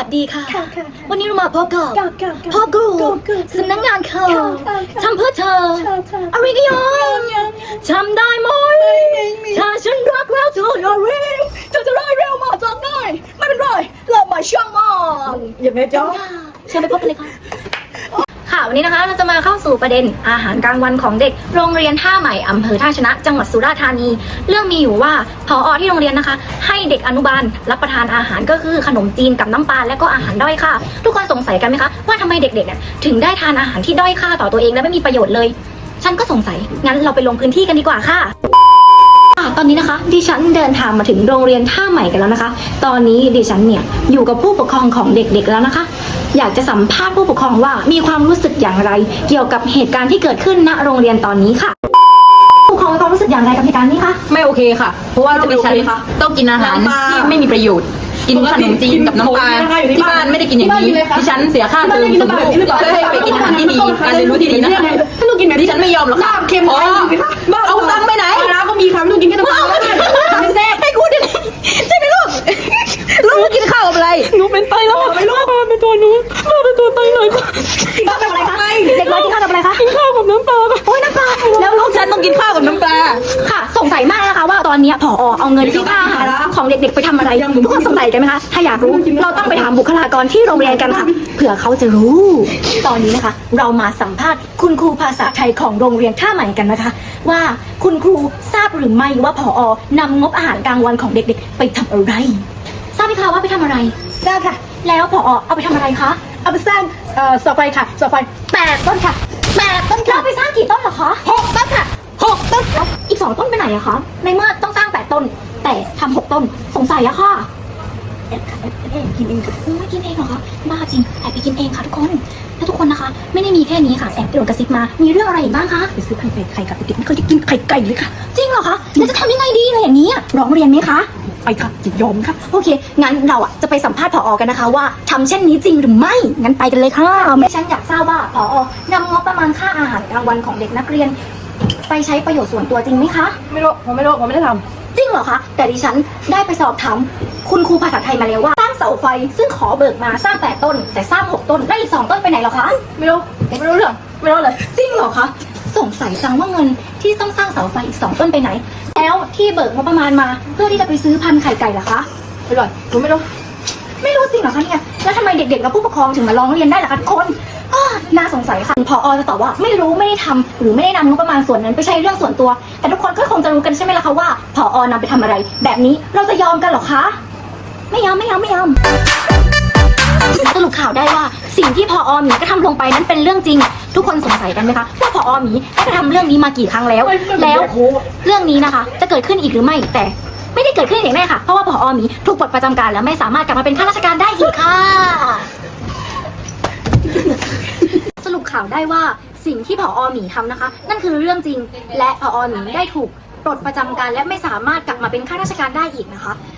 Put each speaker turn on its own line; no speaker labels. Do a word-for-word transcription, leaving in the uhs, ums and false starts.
สดีค่ะวันนี้เรามาพบกับพ่อกูสำนักงานเขาทำเพื่อเธออะไรกันยังจำได้ไหมถ้าฉันรักแล้วเธออย่าเร่งเธอจะได้เร็วมาจากไหนไม่เป็นไรเรามาช่างมันอย่าไปจ้องเชิญไปพบกันเลยค่ะค่ะวันนี้นะคะเราจะมาเข้าสู่ประเด็นอาหารกลางวันของเด็กโรงเรียนท่าใหม่อำเภอท่าชนะจังหวัดสุราษฎร์ธานีเรื่องมีอยู่ว่าผอ.ที่โรงเรียนนะคะให้เด็กอนุบาลรับประทานอาหารก็คือขนมจีนกับน้ำปลาและก็อาหารด้อยค่าทุกคนสงสัยกันไหมคะว่าทำไมเด็กๆเนี่ยถึงได้ทานอาหารที่ด้อยค่าต่อตัวเองและไม่มีประโยชน์เลยฉันก็สงสัยงั้นเราไปลงพื้นที่กันดีกว่าค่ะตอนนี้นะคะดิฉันเดินทางมาถึงโรงเรียนท่าใหม่กันแล้วนะคะ ตอนนี้ดิฉันเนี่ยอยู่กับผู้ปกครองของเด็กๆแล้วนะคะอยากจะสัมภาษณ์ผู้ปกครองว่ามีความรู้สึกอย่างไรเกี่ยวกับเหตุการณ์ที่เกิดขึ้นณโรงเรียนตอนนี้ค่ะผู้ปกครองมีความรู้สึกอย่างไรกับเหตุการณ์นี้คะ
ไม่โอเคค่ะเพราะว่าจะดิฉันต้องกินอาหารที่ไม่มีประโยชน์กินขนมจีนกับน้ำปลาที่บ้านไม่ได้กินอย่างนี้ดิฉันเสียค่าเทอมส่งลูกเพื่อให้ไปกินอาหารที่ดีการเรียนรู้ที่ดีนะคะดิฉันไม่ยอมหรอกค่ะเพราะเอาตังค์ไปไหนร้านก็มีค่ะไม่ต้องกินแค่น้ำปลาไม่แซ่บให้กูดิใช่ไหมลูกลูกกินข้าวกับอะไร
หนูเป็นไตแล้วไม่รู้มาเป็นตัวหนูมาเป็นตัวไตหน่อยกินข้าวกับอะไรคะเด็กน้อยกินข้าวกับอะไรคะกินข้าวกับน้ำปลาโอ้ยน้ำปลา
แล้วลูกฉันต้องกินข้าวกับน้ำปลา
ค่ะสงสัยมากนะคะว่าตอนนี้ผอ.เอาเงินที่ค่าอาหารของเด็กๆไปทำอะไรทุกคนสงสัยกันไหมคะถ้าอยากรู้เราต้องไปถามบุคลากรที่โรงเรียนกันค่ะเผื่อเขาจะรู้ตอนนี้นะคะเรามาสัมภาษณ์คุณครูภาษาไทยของโรงเรียนท่าใหม่กันนะคะว่าคุณครูทราบหรือไม่ว่าผอ.นำงบอาหารกลางวันของเด็กๆไปทำอะไรทราบไหมคะว่าไปทำอะไร
ทราบค่ะ
แล้วผอ.เอาไปทำอะไรคะ
เอาไปสร้างเอ่อเสาไฟค่ะเสาไฟแปดต้นค่ะแปดต้นค่ะ
เราไปสร้างกี่ต้นเหรอคะ
หกต้นค่ะหกต้น
แล้วอีกสองต้นไปไหนอะคะในเมื่อต้องสร้างแปดต้นแต่ทำหกต้นสงสัยอะค่ะ
แอบค่ะแอบแอบกินเองค่ะ
ไม่กินเองเหรอคะบ้าจริงแอบไปกินเองค่ะทุกคนแล้วทุกคนนะคะไม่ได้มีแค่นี้ค่ะแอบโดนกระซิบมามีเรื่องอะไรอีกบ้างคะ
ไปซื้อไข่ไก่ไข่กับเด็กๆไม่เคยได้กินไข่ไก่เลยค่ะ
จริงเหรอคะแล้วจะทำยังไงดีอะไรอย่างนี้ร้องเรียนไหมคะ
ไปค่ะจะยอมค่ะ
โอเคงั้นเราอ่ะจะไปสัมภาษณ์ผอ.กันนะคะว่าทำเช่นนี้จริงหรือไม่งั้นไปกันเลยค่ะฉันอยากทราบว่าผอ.นำงบประมาณค่าอาหารกลางวันของเด็กนักเรียนไปใช้ประโยชน์ส่วนตัวจริงไหมคะ
ไม่รู้ผมไม่รู้ผมไม่ได้ท
ำจริงเหรอคะแต่ดิฉันได้ไปสอบถามคุณครูภาษาไทยมาแล้วว่าสร้างเสาไฟซึ่งขอเบิกมาสร้างแปดต้นแต่สร้างหกต้นได้อีกสองต้นไปไหนเหรอคะ
ไม่รู้ผมไม่รู้เรื่องไม่รู้เลย
จริงเหรอคะสงสัยจังว่าเงินที่ต้องสร้างเสาไฟอีกสองต้นไปไหนแล้วที่เบิกงบประมาณมาเพื่อที่จะไปซื้อพันธุ์ไข่ไก่ล่ะคะ
ไม่รู้ผมไม่รู้
ไม่รู้สิเหรอคะเนี่ยแล้วทำไมเด็กๆและผู้ปกครองถึงมาร้องเรียนได้ล่ะคะทุกคนน่าสงสัยค่ะผอ.จะตอบว่าไม่รู้ไม่ได้ทำหรือไม่ได้นำงบประมาณส่วนนั้นไปใช้เรื่องส่วนตัวแต่ทุกคนก็คงจะรู้กันใช่ไหมล่ะคะว่าผอ.นำไปทำอะไรแบบนี้เราจะยอมกันหรอคะไม่ยอมไม่ยอมไม่ยอมสรุปข่าวได้ว่าสิ่งที่ผอ.หมีก็ทำลงไปนั้นเป็นเรื่องจริงทุกคนสงสัยกันไหมคะว่าผอ.หมีได้กระทำเรื่องนี้มากี่ครั้งแล้วแล้วเรื่องนี้นะคะจะเกิดขึ้นอีกหรือไม่แต่ไม่ได้เกิดขึ้นอย่างแน่ค่ะเพราะว่าผอ.หมีถูกปลดประจำการแล้วไม่สามารถกลับมาเป็นข้าราชการได้อีกค่ะสรุปข่าวได้ว่าสิ่งที่ผอ.หมีทำนะคะนั่นคือเรื่องจริงและผอ.หมีได้ถูกปลดประจำการและไม่สามารถกลับมาเป็นข้าราชการได้อีกนะคะ